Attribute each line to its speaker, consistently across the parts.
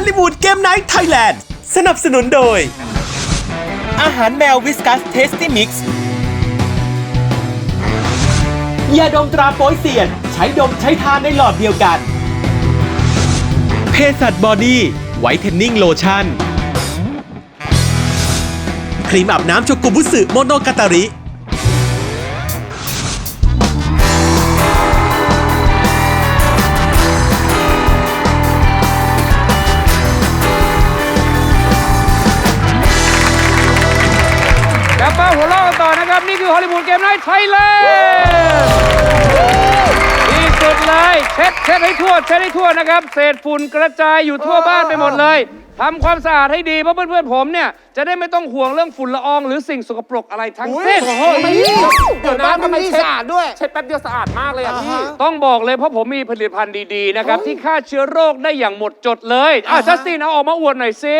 Speaker 1: ลิวูดเกมไนท์ไทยแลนด์สนับสนุนโดยอาหารแมววิสกัสเทสตี้มิกซ์ยาดมตราโป๊ยเซียนใช้ดมใช้ทานในหลอดเดียวกันเภสัชบอดี้ไวท์เทนนิ่งโลชั่นครีมอาบน้ำโชกุบุสึโมโนกาตาริ
Speaker 2: กลับมาหัวเราะกันต่อนะครับนี่คือฮอลลีวูดเกมไนท์ไทยแลนด์ที่สุดเลยเช็ดให้ทั่วนะครับเศษฝุ่นกระจายอยู่ทั่วบ้านไปหมดเลยทำความสะอาดให้ดีเพราะเพื่อนๆผมเนี่ยจะได้ไม่ต้องห่วงเรื่องฝุ่นละอองหรือสิ่งสกปรกอะไรทั้งสิ้น
Speaker 3: เดี๋ยวนะทำไมสะอาดด้วยเช็ดแป๊บเดียวสะอาดมากเลยอ่ะพี่
Speaker 2: ต้องบอกเลยเพราะผมมีผลิตภัณฑ์ดีๆนะครับที่ฆ่าเชื้อโรคได้อย่างหมดจดเลยจัสตินเอาออกมาอวดหน่อยสิ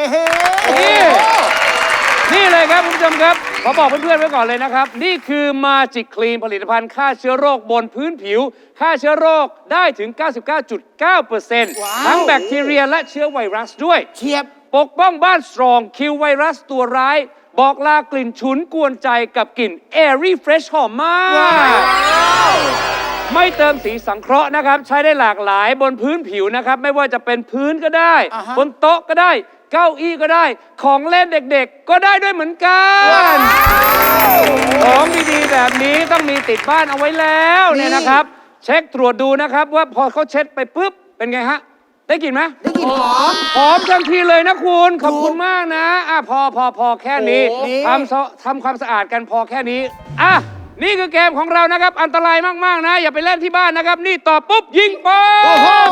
Speaker 2: นี่เลยครับคุณผู้ชมครับขอบอกเพื่อนๆไว้ก่อนเลยนะครับนี่คือมาจิกคลีนผลิตภัณฑ์ฆ่าเชื้อโรคบนพื้นผิวฆ่าเชื้อโรคได้ถึง 99.9% ทั้งแบคทีเรียและเชื้อไวรัสด้วย
Speaker 3: เชียบ
Speaker 2: ปกป้องบ้านสตรองคิวไวรัสตัวร้ายบอกลากลิ่นฉุนกวนใจกับกลิ่น Airy Fresh หอมมากไม่เติมสีสังเคราะห์นะครับใช้ได้หลากหลายบนพื้นผิวนะครับไม่ว่าจะเป็นพื้นก็ได้บนโต๊ะก็ได้เก้าอี้ก็ได้ของเล่นเด็กๆก็ได้ด้วยเหมือนกันของดีๆแบบนี้ต้องมีติดบ้านเอาไว้แล้วเนี่ยนะครับเช็คตรวจดูนะครับว่าพอเขาเช็ดไปปุ๊บเป็นไงฮะได้กลิ่นไหม
Speaker 3: ได้กลิ่นห
Speaker 2: อมทันทีเลยนะคุณขอบคุณมากนะพอแค่นี้ทำความสะอาดกันพอแค่นี้นี่คือเกมของเรานะครับอันตรายมากๆนะอย่าไปเล่นที่บ้านนะครับนี่ต่อปุ๊บยิงป๊อบ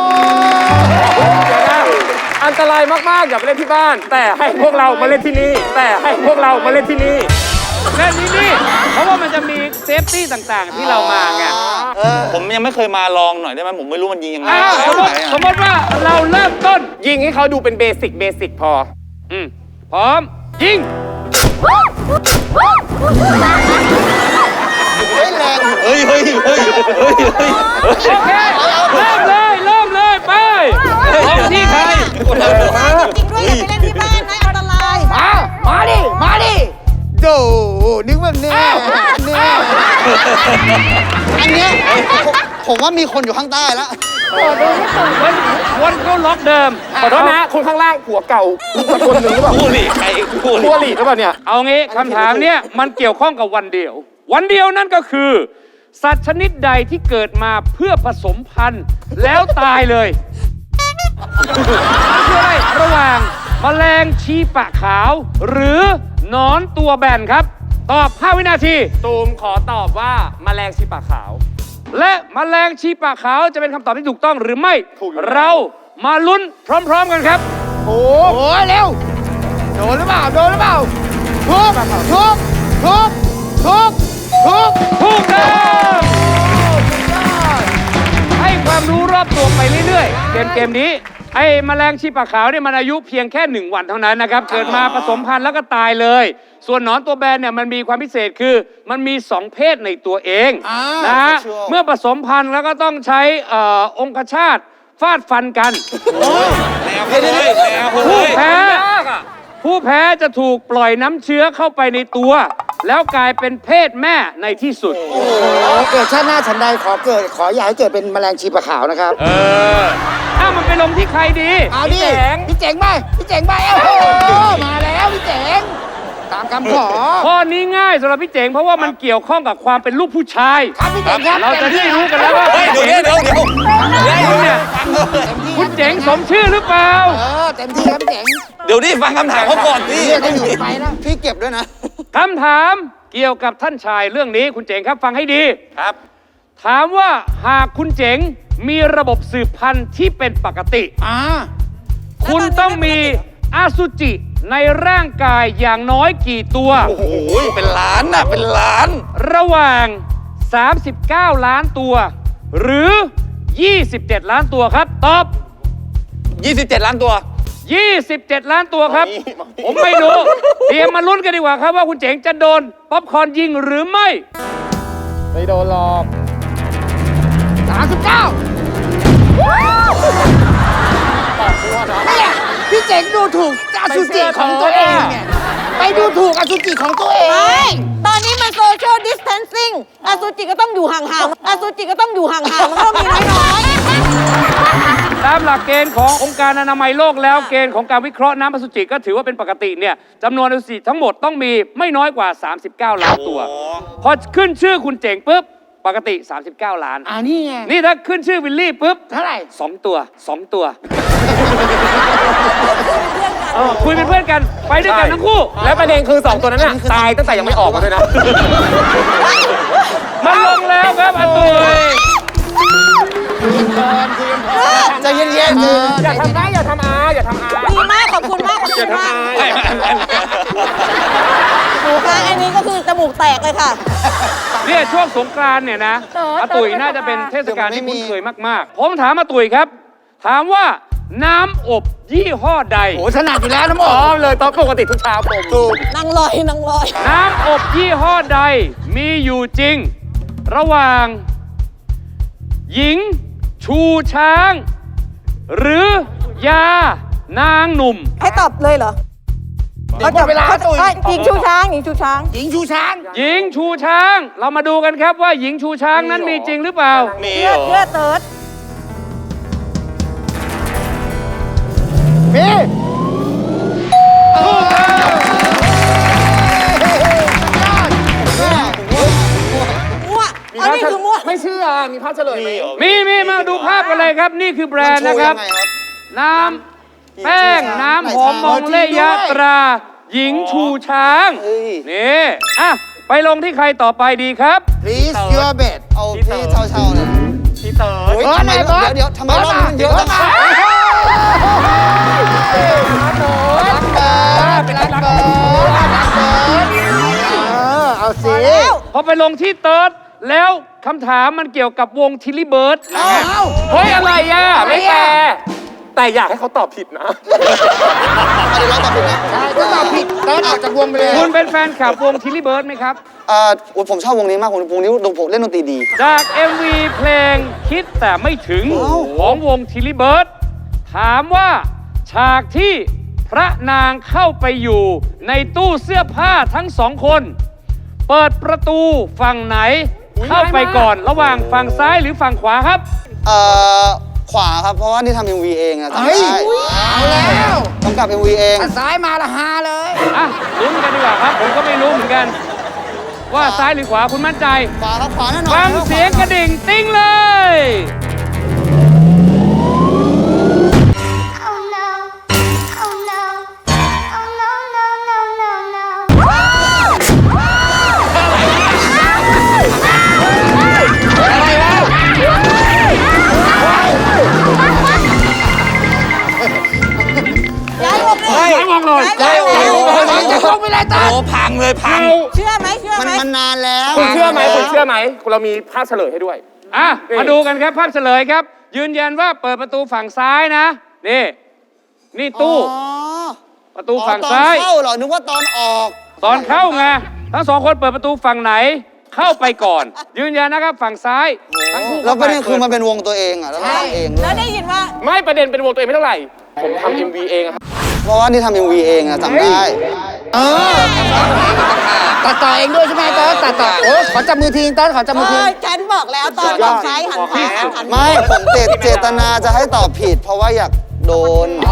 Speaker 3: อันตรายมากๆอย่าไปเล่นที่บ้านแต่ให้พวกเรามาเล่นที่นี่เล่นที่นี่
Speaker 2: เพราะว่ามันจะมีเซฟตี้ต่างๆที่เรามาไง
Speaker 4: ผมยังไม่เคยมาลองหน่อยได้ไหมผมไม่รู้มันยิงยังไง
Speaker 2: สมมติว่าเราเริ่มต้น
Speaker 3: ยิงให้เขาดูเป็นเบสิกพอ
Speaker 2: พร้อมยิง
Speaker 4: เฮ้ย
Speaker 2: โอเคเริ่มเลยไปของที่ใคร
Speaker 5: จริงด้วยอย่าไปเล่นที่บ้านนะอันตราย
Speaker 3: มาดิโดนึกว่าเนี่ย
Speaker 5: อันเนี้ยผมว่ามีคนอยู่ข้างใต้แล้ว
Speaker 2: วันเขาล็อกเดิม
Speaker 3: ขอโทษนะคนข้างล่างผัวเก่าคนหนึ่งหรือเปล่า
Speaker 4: ผู้หลีใคร
Speaker 3: ผู้หลีหรือเปล่าเนี่ย
Speaker 2: เอางี้คำถามเนี่ยมันเกี่ยวข้องกับวันเดียวนั่นก็คือสัตว์ชนิดใดที่เกิดมาเพื่อผสมพันธุ์แล้วตายเลยคืออะไรระหว่างแมลงชีปะขาวหรือหนอนตัวแบนครับตอบ5วินาที
Speaker 3: ตูมขอตอบว่าแมลงชีปะขาว
Speaker 2: และแมลงชีปะขาวจะเป็นคำตอบที่ถูกต้องหรือไม่เรามาลุ้นพร้อมๆกันครับ
Speaker 3: โอ้เร็วโดนหรือเปล่าทุบ
Speaker 2: ถูกต้องให้ความรู้รอบตัวไปเรื่อยๆเกมนี้ไอ้แมลงชีปะขาวเนี่ยมันอายุเพียงแค่1 วันเท่านั้นนะครับเกิดมาผสมพันธุ์แล้วก็ตายเลยส่วนหนอนตัวแบนเนี่ยมันมีความพิเศษคือมันมี2 เพศในตัวเองนะฮะเมื่อผสมพันธุ์แล้วก็ต้องใช้องคชาตฟาดฟันกันผู้แพ้จะถูกปล่อยน้ำเชื้อเข้าไปในตัวแล้วกลายเป็นเพศแม่ในที่สุด
Speaker 5: เกิดชาติหน้าฉันใดขออย่าให้เกิดเป็นแมลงชีปะขาวนะครับ
Speaker 2: มันไปลงที่ใครดี
Speaker 5: เอาดิพี่เจ๋งไปมาแล้วพี่เจ๋งตามคำขอ
Speaker 2: ข้อนี้ง่ายสำหรับพี่เจ๋งเพราะว่ามันเกี่ยวข้องกับความเป็นลูกผู้ชาย
Speaker 5: ครับพี่เจ๋งครับ
Speaker 2: เราจะได้รู้กันแล้วว่า
Speaker 4: เดี๋ยว
Speaker 2: เนี่ยคุณเจ๋งสมชื่อหรือเปล่า
Speaker 5: เต็มที่ครับพี่เจ๋ง
Speaker 4: เดี๋ยวนี่ฟังคำถามเขาก่อนดิ
Speaker 5: จะอยู่ไปนะพี่เก็บด้วยนะ
Speaker 2: คำถามเกี่ยวกับท่านชายเรื่องนี้คุณเจ๋งครับฟังให้ดี
Speaker 4: ครับ
Speaker 2: ถามว่าหากคุณเจ๋งมีระบบสืบพันธุ์ที่เป็นปกติคุณต้องมีอสุจิในร่างกายอย่างน้อยกี่ตัว
Speaker 4: โอ้โหเป็นล้าน
Speaker 2: ระหว่าง39 ล้านตัวหรือ27 ล้านตัวครับตอบ
Speaker 4: 27 ล้านตัว
Speaker 2: 27 ล้านตัวครับผมไม่รู้เตรียมมาลุ้นกันดีกว่าครับว่าคุณเจ๋งจะโดนป๊อปคอร์นยิงหรือไม่
Speaker 3: โดนหรอก
Speaker 5: 39 งดูถูกอสุจิของตัวเองเนี่ยไปดูถูกอสุจิของตัวเอง
Speaker 6: ไม่ตอนนี้มันโซเชียลดิสเทนซิ่งอสุจิก็ต้องอยู่ห่างๆอสุจิก็ต้องอยู่ห่างๆมันก็ต้องมีน้อย
Speaker 2: ตามหลักเกณฑ์ขององค์การอนามัยโลกแล้วเกณฑ์ของการวิเคราะห์น้ำอสุจิก็ถือว่าเป็นปกติเนี่ยจำนวนอสุจิทั้งหมดต้องมีไม่น้อยกว่า 39 ล้านตัว พอขึ้นชื่อคุณเจ๋งปุ๊บปกติ 39 ล้าน
Speaker 5: นี่ไง
Speaker 2: นี่ถ้าขึ้นชื่อวิลลี่ปุ๊บ
Speaker 5: เท่าไหร่
Speaker 2: 2 ตัว 2 ตัวคุยเป็นเพื่อนกันไปด้วยกันทั้งคู่
Speaker 3: และประเด็นคือ 2 ตัวนั้นน่ะตายตั้งแต่ยังไม่ออกมาด้วยนะ
Speaker 2: มันลงแล้วครับอาตุย
Speaker 5: ใจเย็นๆ
Speaker 3: อย่าทำได้อย่าทำอาอย่าทำอา
Speaker 6: ๆดีมากขอบคุณมากขอบคุณมากหนูคะอันนี้ก็คือจมูกแตกเลยค่ะ
Speaker 2: เนี่ยช่วงสงกรานต์เนี่ยนะอาตุยน่าจะเป็นเทศกาลที่คุ้นเคยมากๆผมถามอาตุยครับ ถามว่าน้ำอบยี่ห้อใด
Speaker 5: โอ้ถนัดอยู่แล้วน้ำอ
Speaker 3: อ๋
Speaker 5: อ
Speaker 3: อก เลยตอนปกติทุกเช้าผมถูก
Speaker 6: นางลอยนางลอย
Speaker 2: น้ำอบยี่ห้อใดมีอยู่จริง ระหว่าง หญิง ชูช้าง หรือยานางหนุ่ม
Speaker 6: ให้ตอบเลยเหรอ
Speaker 5: หมดเวลาตุ๋ย
Speaker 6: หญิงชูช้างหญิงชูช้าง
Speaker 5: หญิงชูช้าง
Speaker 2: หญิงชูช้าง เรามาดูกันครับว่าหญิงชูช้างนั้นมีจริงหรือเปล่า
Speaker 4: มี
Speaker 6: เชื่
Speaker 4: เห
Speaker 6: อ
Speaker 4: รอ
Speaker 6: เชื่อเติร์ด
Speaker 5: มี
Speaker 6: มั่วอันนี้คือมั่ว
Speaker 3: ไม่เชื่อมีภาพเฉลยไหม
Speaker 2: มีมาดูภาพกันเลยครับ นี่คือแบรนด์นะครับ น้ำแป้งน้ำหอมมองเลยะตรา หญิงชูช้าง นี่อ่ะไปลงที่ใครต่อไปดีครับ
Speaker 5: please your bed
Speaker 7: เอาที่เช่าๆเลย
Speaker 3: พี่เต๋อ
Speaker 7: เฮ้ยทำไมเดี๋ยวทำไมรอบนี้มันเยอะจังอะ
Speaker 5: เป็นรักเบิร์ดเอาสิ
Speaker 2: พอไปลงที่เติร์ดแล้วคำถามมันเกี่ยวกับวงทิลลี่เบิร์ด
Speaker 3: เฮ้ยอะไรอ่ะไม่แฟร์แต่อยากให้เขาตอบผิดนะ
Speaker 7: เดี๋ยวเราตอบผิดนะ
Speaker 5: ใช่ถ้าตอบผิดเติร์ดออกจากวงไปเลย
Speaker 2: คุณเป็นแฟนคลับวงทิลลี่เบิร์ดไหมครับ
Speaker 7: ผมชอบวงนี้มากวงนี้ผมเล่นดนตรีดี
Speaker 2: จาก MV เพลงคิดแต่ไม่ถึงของวงทิลลี่เบิร์ดถามว่าฉากที่พระนางเข้าไปอยู่ในตู้เสื้อผ้าทั้งสองคน เปิดประตูฝั่งไหนเข้าไปก่อนระหว่างฝั่งซ้ายหรือฝั่งขวาครับ
Speaker 7: ขวาครับ เพราะว่านี่ทำ MV เองอะจำ
Speaker 5: เฮ้ย
Speaker 7: ได้
Speaker 5: เอาแล้ว
Speaker 7: กำกับ MV เอง
Speaker 5: ถ้าซ้ายมาละฮาเลย
Speaker 2: อ่ะลุ้นกันดีกว่าครับ ผมก็ไม่รู้เหมือนกัน ว่าซ้ายหรือขวาคุณมั่นใจ
Speaker 7: ขวาครับขวาแน่นอน
Speaker 2: ฟังเสียงกระดิ่งติ้งเลย
Speaker 8: Oh no. Oh no. Oh no, no, no, no, no.
Speaker 6: ย้ายวงเลย
Speaker 2: ย้ายวงเลย
Speaker 6: ย้ายวงเลย
Speaker 5: จะลงไปเลยเติร์ด
Speaker 4: โอ้พังเลยพัง
Speaker 6: เชื่อไหมเชื่อไหม
Speaker 7: มันนานแล้ว
Speaker 3: คุณเชื่อไหมคุณเชื่อไหมเรามีภาพเฉลยให้ด้วย
Speaker 2: อ่ะ มาดูกันครับภาพเฉลยครับ ยืนยันว่าเปิดประตูฝั่งซ้ายนะ นี่ตู้ ประตูฝั่งซ้าย
Speaker 7: ตอนเข้าเหรอ นึกว่าตอนออก
Speaker 2: ตอนเข้าไงทั้งสองคนเปิดประตูฝั่งไหน เข้าไปก่อน ยืนยันนะครับฝั่งซ้ายทั้งคู่
Speaker 7: แล้วประเด็นคือมันเป็นวงตัวเองอะแล้วเราทำเองด้
Speaker 6: แล้ว วย ได้ยินว่า
Speaker 3: ไม่ประเด็นเป็นวงตัวเองไม่เท่าไหร่ ผมทำ MV เองอะครับ
Speaker 7: เพราะว่านี่ทำ MV เองอะจำได้
Speaker 5: ตัดต่อเองด้วยใช่ไหมเติร์ดตัดต่อโอ้ขอจับมือทีเติร์ดขอจับมือที
Speaker 6: ฉันบอกแล้วตอนฝั่งซ้ายหันขวาหัน
Speaker 7: ไม่ผมเจตนาจะให้ตอบผิด เพราะว่าอยากโดน
Speaker 6: ร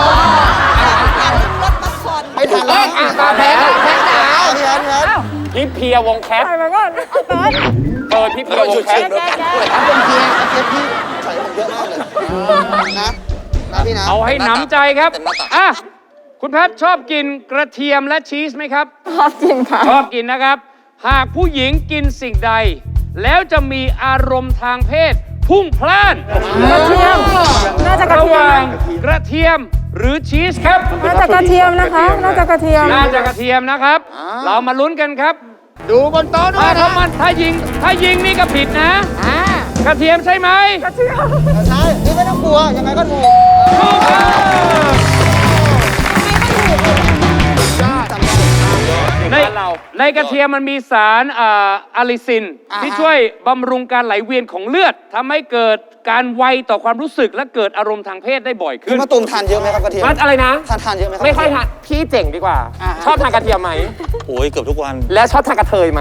Speaker 6: ถบัสคอน
Speaker 7: ไม่ทันแล้ว
Speaker 5: ตาแพ้แพ้จ๋า
Speaker 7: พี่แอนพี่แอน
Speaker 3: พี่เพียวงแคทเปิดพี่เพียวงแคท
Speaker 7: ครับเป็นเพียร์เพียร์พี่ใส่ผมเยอะมากเลยนะพี่นะ
Speaker 2: เอาให้หนำใจครับอ่ะคุณแพทชอบกินกระเทียมและชีสไหมครับ
Speaker 6: ชอบกินค่ะ
Speaker 2: ชอบกินนะครับ หากผู้หญิงกินสิ่งใด แล้วจะมีอารมณ์ทางเพศ พุ่งพล่าน
Speaker 6: กระเทียมน่าจะกระ
Speaker 2: ระ
Speaker 6: เที
Speaker 2: ห
Speaker 6: ยม
Speaker 2: ว่างกระเทียมหรือชีสครับ
Speaker 6: น่าจะกระเทียมนะคะน่าจะกระเทียม
Speaker 2: น่าจะกระเทียมนะครับ เรามาลุ้นกันครับ
Speaker 5: ดูบนโต๊ะด้วยนะ
Speaker 2: ถ้ายิงนี่ก็ผิดนะ กระเทียมใช่ไหม
Speaker 7: ใช่นี่ไม่ต้องกลัว ยังไงก็ถูก
Speaker 2: ถูกต้องในในกระเทียมมันมีสารอะลิซิน ที่ช่วยบำรุงการไหลเวียนของเลือดทำให้เกิดการไวต่อความรู้สึกและเกิดอารมณ์ทางเพศได้บ่อยขึ้
Speaker 7: พี่
Speaker 2: น
Speaker 7: มะตูมทานเยอะไหมครับกระเทียม
Speaker 3: มันอะไรนะ
Speaker 7: ทานเยอะไหมครับ
Speaker 3: ไม่ค่อยทานพี่เจ๋งดีกว่า ชอบทานกระเทียมไหม
Speaker 4: โอ้ยเกือบทุกวัน
Speaker 3: และชอบทานกระเทยไหม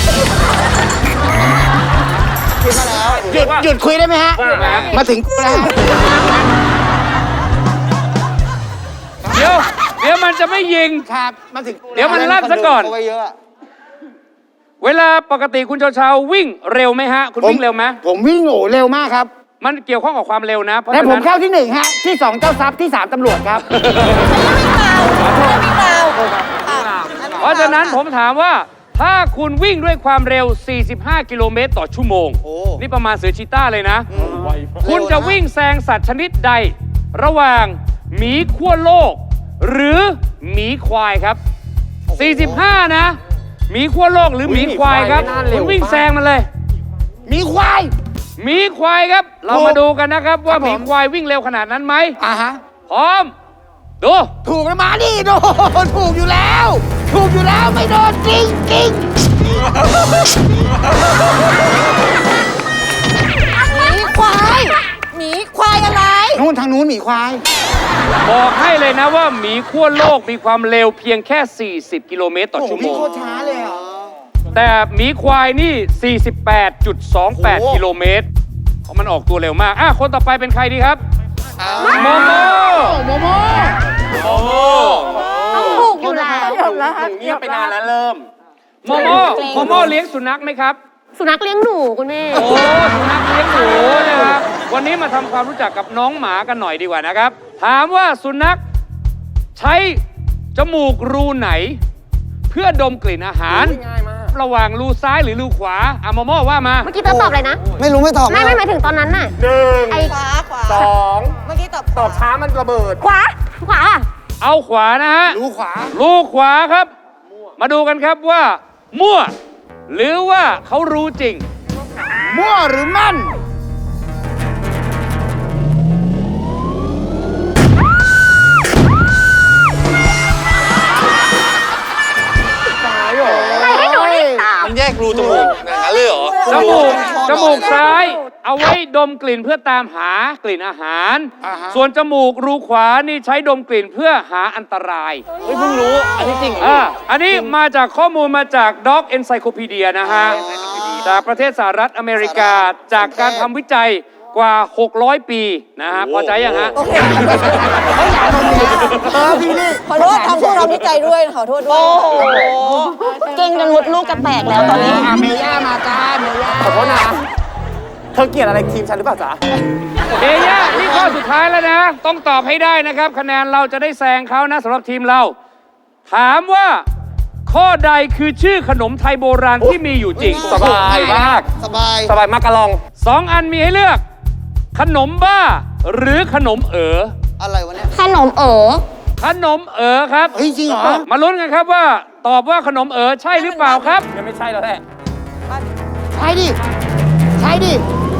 Speaker 7: คิดมาแล้ว
Speaker 5: หยุดคุยได้ไหมฮะ มาถึงกูแล้ว
Speaker 2: เดี๋ยวมันจะไม่ยิง
Speaker 5: ครับ มาถึงกู
Speaker 2: เดี๋ยวมันลั่นซะก่อน
Speaker 7: เขาไว้เยอะอะ
Speaker 2: เวลาปกติคุณเชาๆวิ่งเร็วไหมฮะ คุณวิ่งเร็วไหม
Speaker 5: ผมวิ่งโง่เร็วมากครับ
Speaker 2: มันเกี่ยวข้องกับความเร็วนะเพราะ
Speaker 5: และ
Speaker 2: ฉะ
Speaker 5: ผม
Speaker 2: นั้น
Speaker 5: เข้าที่ 1 ฮะ ที่ 2 เจ้าทรัพย์ที่ 3ตำรวจครับ
Speaker 2: เพราะฉะนั้นผมถามว่าถ้าคุณวิ่งด้วยความเร็ว 45 กิโลเมตรต่อชั่วโมง
Speaker 7: โอ้
Speaker 2: นี่ประมาณเสือชีต้าเลยนะ คุณจะวิ่งแซงสัตว์ชนิดใด ระหว่างหมีขั้วโลก หรือหมีควายครับ 45 นะหมีขั้วโลกหรือหมีควายครับคุณวิ่งแซงมันเลย
Speaker 5: มีควาย
Speaker 2: หมีควายครับ เรามาดูกันนะครับว่าหมีควายวิ่งเร็วขนาดนั้นไหม
Speaker 5: ฮะ
Speaker 2: พร้อม ดู
Speaker 5: ถูกแล้วมาดิโดนถูกอยู่แล้ว ถูกอยู่แล้วไม่โดนจริงจริง
Speaker 6: หมีควายหมีควายอะไร
Speaker 5: นู่นทางนู้นหมีควาย
Speaker 2: บอกให้เลยนะว่าหมีขั้วโลกมีความเร็วเพียงแค่ 40 กิโลเมตรต่อชั่วโมง
Speaker 5: โคตรช้าเลยอ่ะ
Speaker 2: แต่หมีควายนี่ 48.28 กิโลเมตรเพราะมันออกตัวเร็วมากคนต่อไปเป็นใครดีครับ โมโม
Speaker 5: โมโม
Speaker 8: ต้องถูกอยู่แล้ว
Speaker 3: เงียบไปนานแล้วเริ่ม
Speaker 2: โมโมเลี้ยงสุนัขไหมครับ
Speaker 8: สุนัขเลี้ยงหนูคุณแม่
Speaker 2: โอ้สุนัขเลี้ยงหนูนะครับ วันนี้มาทำความรู้จักกับน้องหมากันหน่อยดีกว่านะครับ ถามว่าสุนัขใช้จมูกรูไหน เพื่อดมกลิ่นอาหาร
Speaker 3: ง่ายมาก
Speaker 2: ระหว่างรูซ้ายหรือรูขวาโมโมว่ามา
Speaker 8: เมื่อกี้เธอตอบอะไรนะ
Speaker 7: ไม่รู้ไม่ตอบ
Speaker 8: ไม่หมายถึงตอนนั้นน่ะ
Speaker 3: 1
Speaker 8: ไอ้
Speaker 6: ขวาขวา
Speaker 3: 2
Speaker 6: เมื่อกี้ตอบ
Speaker 3: ตอบช้ามันระเบิด
Speaker 8: ขวา ขวา
Speaker 2: เอาขวานะฮะ
Speaker 5: รู้ขวา
Speaker 2: รูขวาครับ มาดูกันครับว่า มั่ว หรือว่าเขารู้จริง
Speaker 5: มั่วหรือมั่น
Speaker 8: ให้หนูรีบตอบ
Speaker 4: มันแยกรูจมูกอย่างนั้นเลยเหรอ
Speaker 2: จมูกซ้าย เอาไว้ดมกลิ่นเพื่อตามหากลิ่นอาหาร ส่วนจมูกรูขวานี่ใช้ดมกลิ่นเพื่อหาอันตราย
Speaker 4: เฮ้ยเพิ่งรู้ อันนี้จริงเหรอ
Speaker 2: อันนี้มาจากข้อมูลมาจาก Dog Encyclopedia นะฮะ จากประเทศสหรัฐอเมริกา จากการทำวิจัยกว่า 600 ปีนะฮะ พอใจยังฮะ
Speaker 6: โอเคขอโทษทำพวกเราดีใจด้วยขอโทษด้วย โอ้โห เก่งจนมดลูกจะแตกแล้วตอนนี้
Speaker 5: เมย่ามาจ้าเมย่า
Speaker 3: ขอโทษนะ เธอเกลียดอะไรทีมฉันหรือเปล่าจ๊ะ
Speaker 2: เมย่านี่ข้อสุดท้ายแล้วนะ ต้องตอบให้ได้นะครับ คะแนนเราจะได้แซงเขานะสำหรับทีมเรา ถามว่าข้อใดคือชื่อขนมไทยโบราณที่มีอยู่จริง
Speaker 3: สบายมาก
Speaker 7: สบาย
Speaker 3: สบายมากกะลอง
Speaker 2: 2 อันมีให้เลือก ขนมบ้าหรือขนมเอ๋อ
Speaker 7: อะไรวะเนี่ย
Speaker 8: ขนม
Speaker 2: ขนมเอ๋อครับ
Speaker 5: เฮ้ยจริงเหรอ
Speaker 2: มาลุ้นกันครับว่าตอบว่าขนมเอ๋อใช่หรือเปล่าครับ
Speaker 3: ยังไม่ใช่แล้วแหละ
Speaker 5: ใช่ดิ ใช่ดิ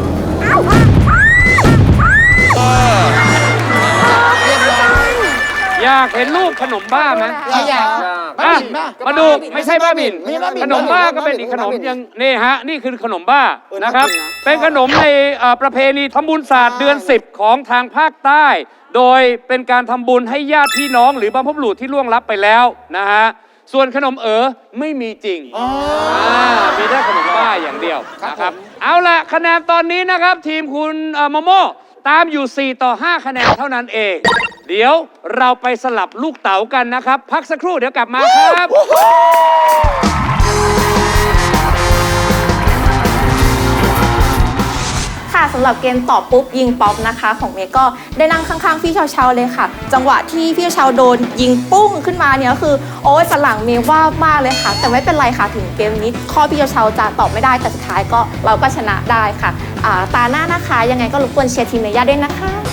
Speaker 2: อยากเห็นรูปขนมบ้าไหม
Speaker 5: อยาก
Speaker 2: อ่ะ
Speaker 5: บ้า
Speaker 2: มาดูไม่ใช่บ้าบิน
Speaker 5: ไม่ใช่บ้าบิ่น
Speaker 2: ขนมบ้าก็เป็นอีกขนมยังนี่ฮะนี่คือขนมบ้านะครับ เป็นขนมในประเพณีทำบุญศาสตร์เดือน 10 ของทางภาคใต้ โดยเป็นการทำบุญให้ญาติพี่น้องหรือบรรพบุรุษที่ล่วงลับไปแล้วนะฮะส่วนขนมเอ๋อไม่มีจริงมีได้ขนมบ้าอย่างเดียวนะครับเอาล่ะคะแนนตอนนี้นะครับทีมคุณโมโม่ตามอยู่ 4 ต่อ 5 คะแนนเท่านั้นเอง เดี๋ยวเราไปสลับลูกเต๋ากันนะครับ พักสักครู่เดี๋ยวกลับมาครับ
Speaker 9: ค่ะสำหรับเกมตอบปุ๊บยิงป๊อปนะคะของเมย์ก็ได้นั่งข้างๆพี่เชาๆเลยค่ะ จังหวะที่พี่เชาโดนยิงปุ้งขึ้นมาเนี่ยก็คือโอ้ยฝรั่งเมย์ว่ามากเลยค่ะ แต่ไม่เป็นไรค่ะถึงเกมนี้ข้อพี่เชาจะตอบไม่ได้แต่สุดท้ายก็เราก็ชนะได้ค่ะตาหน้านะคะยังไงก็รบกวนเชียร์ทีมเมย่าด้วยนะคะ